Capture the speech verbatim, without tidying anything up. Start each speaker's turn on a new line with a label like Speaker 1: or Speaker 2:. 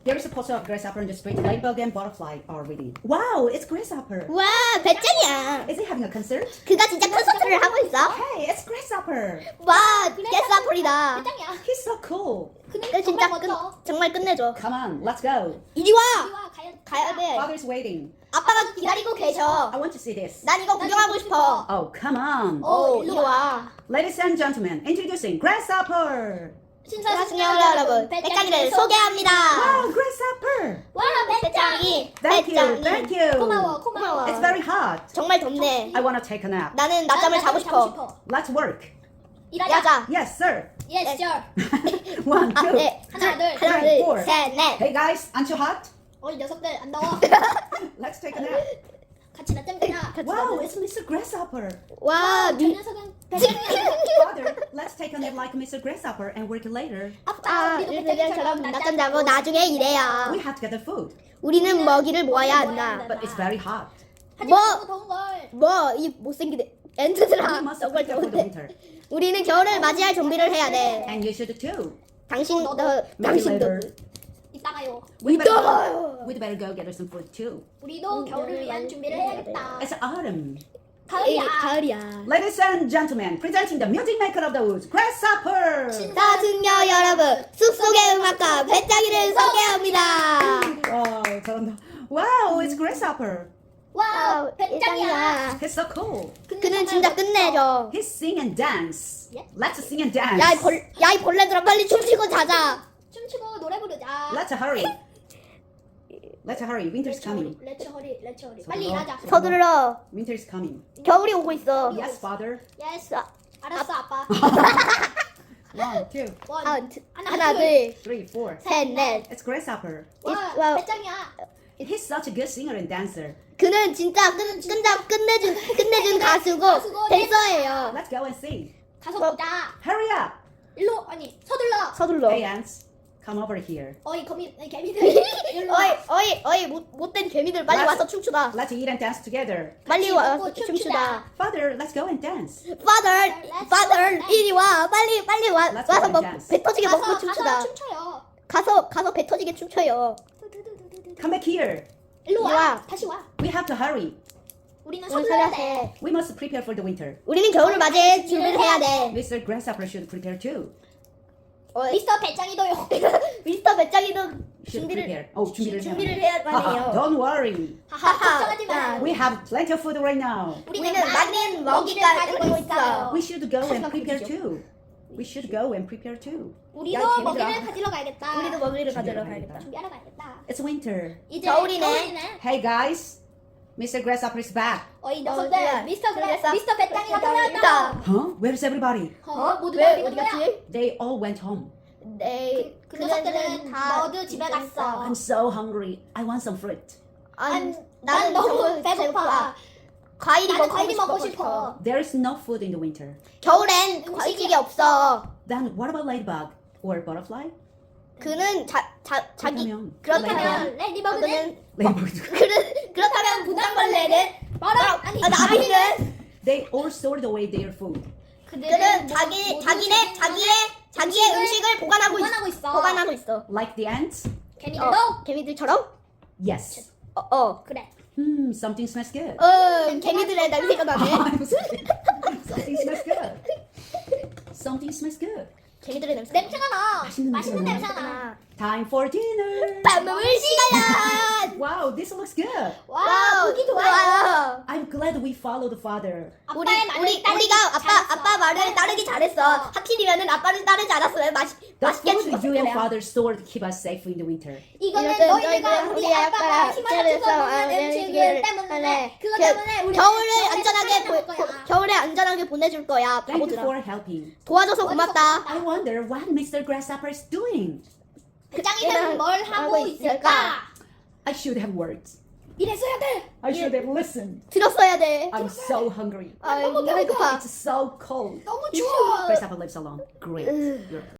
Speaker 1: There is a poster of grasshopper in the street. Ladybug and butterfly are reading. Wow, it's grasshopper.
Speaker 2: 와, 배짱이야.
Speaker 1: Is he having a concert?
Speaker 2: 그가 진짜 콘서트를 하고 있어.
Speaker 1: Hey, it's grasshopper.
Speaker 2: 와, 개싸풀이다.
Speaker 3: 배짱이야.
Speaker 1: He's so cool.
Speaker 3: 그는
Speaker 2: 그 진짜
Speaker 3: 정말
Speaker 2: 끝,
Speaker 3: 멋져.
Speaker 2: 정말 끝내줘.
Speaker 1: Come on, let's go.
Speaker 2: 이리 와.
Speaker 3: 우리와 가야,
Speaker 2: 가야 돼.
Speaker 1: Father's waiting.
Speaker 2: 아빠가 기다리고 계셔.
Speaker 1: I want to see this.
Speaker 2: 난 이거 구경하고 싶어.
Speaker 1: Oh, come on.
Speaker 3: 어,
Speaker 2: 오, 이리 와.
Speaker 1: Ladies and gentlemen, introducing grasshopper.
Speaker 3: 신사숙녀
Speaker 2: 시청자 여러분, 배짱이를 소개합니다.
Speaker 1: Wow, grasshopper.
Speaker 3: 와, 배짱이.
Speaker 1: Thank you,
Speaker 2: 배짱이.
Speaker 1: thank you.
Speaker 3: 고마워, 고마워.
Speaker 1: It's very hot.
Speaker 2: 정말 덥네.
Speaker 1: I want to take a nap.
Speaker 2: 나는 낮잠을 자고 싶어.
Speaker 1: Let's work.
Speaker 3: 일하자.
Speaker 2: 야자.
Speaker 1: Yes, sir.
Speaker 3: Yes, sir.
Speaker 1: One,
Speaker 2: 아,
Speaker 1: two.
Speaker 2: 네.
Speaker 3: 하나, 둘,
Speaker 2: 하나,
Speaker 1: three,
Speaker 2: 둘,
Speaker 1: four.
Speaker 2: 셋, 넷.
Speaker 1: Hey guys, aren't you hot?
Speaker 3: 어, 이 녀석들 안 더워.
Speaker 1: Let's take a nap.
Speaker 3: 같이 낮잠 자자.
Speaker 1: Wow, it's Mister Grasshopper.
Speaker 2: 와,
Speaker 3: 저
Speaker 2: 미...
Speaker 3: 녀석은 배짱이야.
Speaker 1: Father, let's take a nap like Mister Grasshopper and work later.
Speaker 3: 아빠,
Speaker 2: 아,
Speaker 3: 우리도
Speaker 2: 일들처럼
Speaker 3: 배짱이처럼
Speaker 2: 낮잠 자고 나중에 일해야.
Speaker 1: We have to get the food,
Speaker 2: 우리는 먹이를 모아야 한다.
Speaker 1: but it's very hot.
Speaker 3: 하지만
Speaker 2: 뭐?
Speaker 3: 너무 더운 걸.
Speaker 2: 뭐, 이 못생기네.
Speaker 1: We
Speaker 2: 엔트들아.
Speaker 1: must
Speaker 2: 정말
Speaker 1: prepare for the
Speaker 2: 좋은데.
Speaker 1: winter.
Speaker 2: 우리는 겨울을 맞이할 준비를 해야 돼.
Speaker 1: And you should too.
Speaker 2: 당신,
Speaker 3: 너도.
Speaker 2: 너,
Speaker 1: Maybe
Speaker 2: 당신도.
Speaker 1: later.
Speaker 3: 이따가요.
Speaker 1: We better,
Speaker 2: 이따가요.
Speaker 1: we'd better go get us some food too.
Speaker 3: 우리도 겨울을 위한 준비를 해야겠다.
Speaker 1: It's autumn.
Speaker 2: 에이,
Speaker 3: 가을이야.
Speaker 2: 가을이야.
Speaker 1: Ladies and gentlemen, presenting the music maker of the woods, Grasshopper.
Speaker 2: 자, 승려 여러분, 숲속의 음악가 배짱이를 소개합니다.
Speaker 1: Wow, 잘한다. Wow, it's Grasshopper.
Speaker 3: 와, 배짱이야.
Speaker 1: He's so cool.
Speaker 2: 그는 진짜 끝내줘.
Speaker 1: He sing and dance.
Speaker 3: Yeah.
Speaker 1: Let's sing and dance.
Speaker 2: 야, 이 벌, 야, 이 벌레들아, 빨리 춤추고 자자.
Speaker 3: 춤추고 노래 부르자.
Speaker 1: Let's hurry. Let's hurry. Winter's coming.
Speaker 3: 렛츠 허리, 렛츠 허리.
Speaker 1: 서둘러.
Speaker 3: 빨리 일하자.
Speaker 2: 서둘러.
Speaker 1: Winter's coming.
Speaker 2: 겨울이 오고 있어.
Speaker 1: Yes, father.
Speaker 3: 예스. 알았어, 아빠.
Speaker 1: One, two,
Speaker 3: 원.
Speaker 2: 아, 드-
Speaker 3: 하나,
Speaker 2: 하나,
Speaker 3: 둘,
Speaker 2: 둘,
Speaker 1: three, four.
Speaker 2: 셋, 넷.
Speaker 1: It's Grasshopper.
Speaker 3: 와,
Speaker 2: 와.
Speaker 3: 배짱이야.
Speaker 1: He's such a good singer and dancer.
Speaker 2: 그는 진짜 끝, 끝나, 끝내준, 끝내준 가수고,
Speaker 3: 가수고,
Speaker 2: 댄서예요.
Speaker 1: Let's go and sing.
Speaker 3: 가서
Speaker 2: 뭐?
Speaker 3: 보자.
Speaker 1: Hurry up.
Speaker 3: 일로, 아니, 서둘러.
Speaker 2: 서둘러.
Speaker 1: Hey, ants. Come over here.
Speaker 3: 어이, 거미, 아니, 개미들. 일로
Speaker 2: 어이,
Speaker 3: 와.
Speaker 2: 어이, 어이, 못, 못된 개미들 빨리
Speaker 1: Let's-
Speaker 2: 와서 춤추다.
Speaker 1: Let's eat and dance together.
Speaker 2: 빨리
Speaker 3: 같이
Speaker 2: 와서
Speaker 3: 먹고
Speaker 2: 춤추다.
Speaker 3: 춤추다.
Speaker 1: Father, let's go and dance.
Speaker 2: Father, father, 이리 와. 빨리, 빨리 와.
Speaker 1: Let's
Speaker 2: 와서
Speaker 1: go
Speaker 2: 뭐,
Speaker 1: and dance.
Speaker 2: 배 터지게
Speaker 3: 가서,
Speaker 2: 먹고
Speaker 3: 가서
Speaker 2: 춤추다.
Speaker 3: 춤춰요.
Speaker 2: 가서, 가서 배 터지게 춤춰요.
Speaker 1: Come back here.
Speaker 3: 일로
Speaker 2: 이리
Speaker 3: 와.
Speaker 2: 와.
Speaker 3: 다시 와.
Speaker 1: We have to hurry.
Speaker 3: 우리는
Speaker 2: 우리
Speaker 3: 서둘러야
Speaker 2: 살아야
Speaker 3: 돼.
Speaker 2: 돼.
Speaker 1: We must prepare for the winter.
Speaker 2: 우리는 겨울을 맞이해 준비를 해야 돼.
Speaker 1: Mister Grasshopper should prepare too.
Speaker 2: 어,
Speaker 3: 미스터 배짱이도요.
Speaker 2: 미스터 배짱이도
Speaker 1: Should
Speaker 2: 준비를
Speaker 1: prepare. Oh, 준비를
Speaker 2: 준비를
Speaker 1: 해야
Speaker 2: 해야
Speaker 1: Haha,
Speaker 2: 하네요.
Speaker 1: don't worry.
Speaker 3: 하하,
Speaker 2: 하하.
Speaker 3: 걱정하지 마.
Speaker 1: We have plenty of food right now.
Speaker 3: 우리는
Speaker 2: 우리는
Speaker 3: 많은
Speaker 2: 많은
Speaker 3: 먹이를
Speaker 2: 먹이가
Speaker 3: 가지고
Speaker 2: 있어요.
Speaker 3: 있어요.
Speaker 1: We should go and
Speaker 2: 하지만
Speaker 1: prepare
Speaker 2: 그러시죠.
Speaker 1: too. We should go and prepare too.
Speaker 3: 우리도
Speaker 2: 야, 개미들아.
Speaker 3: 먹이를 가지러 가야겠다.
Speaker 2: 우리도 먹이를 가지러
Speaker 1: 준비를
Speaker 2: 가야겠다.
Speaker 3: 준비하러 가야겠다.
Speaker 1: It's winter.
Speaker 3: 이제
Speaker 2: 겨울이네.
Speaker 3: 겨울이네.
Speaker 1: Hey guys, Mister Grasshopper is back.
Speaker 3: 어이
Speaker 2: 어,
Speaker 3: 녀석들,
Speaker 2: 그래.
Speaker 3: 미스터 그래,
Speaker 2: 그래서
Speaker 3: 미스터 배짱이가
Speaker 2: 배짱이다.
Speaker 3: 돌아왔다.
Speaker 1: Huh? Where's everybody?
Speaker 3: 어, 모두
Speaker 2: 왜
Speaker 3: 어디
Speaker 2: 어디
Speaker 3: 간 거야?
Speaker 2: 갔지?
Speaker 1: They all went home.
Speaker 2: 네,
Speaker 3: 그 녀석들은 모두 집에 갔어.
Speaker 1: I'm so hungry. I want some fruit.
Speaker 2: 안,
Speaker 3: 난
Speaker 2: 나는
Speaker 3: 너무
Speaker 2: 너무
Speaker 3: 배고파.
Speaker 2: 배고파. 과일이
Speaker 3: 나는
Speaker 2: 먹고
Speaker 3: 과일이 먹고
Speaker 2: 싶어.
Speaker 3: 싶어.
Speaker 1: There is no food in the winter.
Speaker 2: 겨울엔 과일이 없어.
Speaker 1: Then what about ladybug or butterfly?
Speaker 2: 그는 자, 자, 자기
Speaker 1: 그렇다면
Speaker 2: 그렇다면
Speaker 3: 그러면 레디버그는
Speaker 1: ladybug. ladybug.
Speaker 2: 그는 그렇다면 분당벌레는
Speaker 3: 뭐라? 아니
Speaker 2: 아, 나비는
Speaker 1: They all stored away their food.
Speaker 2: 그는 자기 자기네 자기의 자기의 음식을 보관하고,
Speaker 3: 보관하고
Speaker 2: 있,
Speaker 3: 있어.
Speaker 2: 보관하고 있어.
Speaker 1: Like the ants?
Speaker 3: 개미들도
Speaker 2: 어, 개미들처럼?
Speaker 1: Yes.
Speaker 2: 어, 어.
Speaker 3: 그래.
Speaker 1: Hmm, something smells good.
Speaker 2: 어, 개미들의 냄새가 나네.
Speaker 1: Something smells good. Something smells good.
Speaker 2: 개미들의 냄새.
Speaker 3: 냄새가 나.
Speaker 1: 맛있는
Speaker 3: 맛있는
Speaker 1: 냄새가
Speaker 3: 냄새가 나.
Speaker 1: Time for dinner.
Speaker 2: 밥 먹을 시간이야.
Speaker 1: Wow, this looks good.
Speaker 3: 와, 보기 좋아요.
Speaker 2: 좋아요.
Speaker 1: I'm glad we follow the father.
Speaker 2: 우리
Speaker 3: 아빠의 말을
Speaker 2: 우리
Speaker 3: 따르기
Speaker 2: 우리가 아빠
Speaker 3: 잘했어.
Speaker 2: 아빠 말을 따르기 잘했어. 하필이면은 아빠를 따르지 않았으면 맛
Speaker 1: The
Speaker 2: 맛있게
Speaker 1: food
Speaker 2: 죽었을
Speaker 1: you and
Speaker 2: 거야.
Speaker 1: father stored to keep us safe in the winter.
Speaker 3: 이거는
Speaker 2: 이것은
Speaker 3: 너희들과
Speaker 2: 너희들과
Speaker 3: 우리
Speaker 2: 우리
Speaker 3: 아빠가
Speaker 2: 아빠가
Speaker 3: 희망을 줘서 먹는
Speaker 2: 음식을
Speaker 3: 음식을 때문에
Speaker 2: 때문에
Speaker 3: 그거
Speaker 2: 겨-
Speaker 3: 때문에 우리
Speaker 2: 겨울을 안전하게
Speaker 3: 보,
Speaker 2: 보, 보- 겨울에 안전하게 보내줄 거야.
Speaker 1: Thank you
Speaker 2: 바보들아.
Speaker 1: for helping.
Speaker 2: 도와줘서 고맙다.
Speaker 1: I wonder what Mister Grasshopper is doing.
Speaker 3: 배짱이는 뭘 하고
Speaker 2: 하고 있을까?
Speaker 3: 있을까?
Speaker 1: I should have words.
Speaker 3: 이랬어야 돼.
Speaker 1: I should have listened.
Speaker 2: 들었어야 돼.
Speaker 1: I'm so hungry.
Speaker 2: 아,
Speaker 3: 너무
Speaker 2: 배고파.
Speaker 1: It's so cold.
Speaker 3: 너무 추워.
Speaker 1: Grasshopper lives alone. Great. You're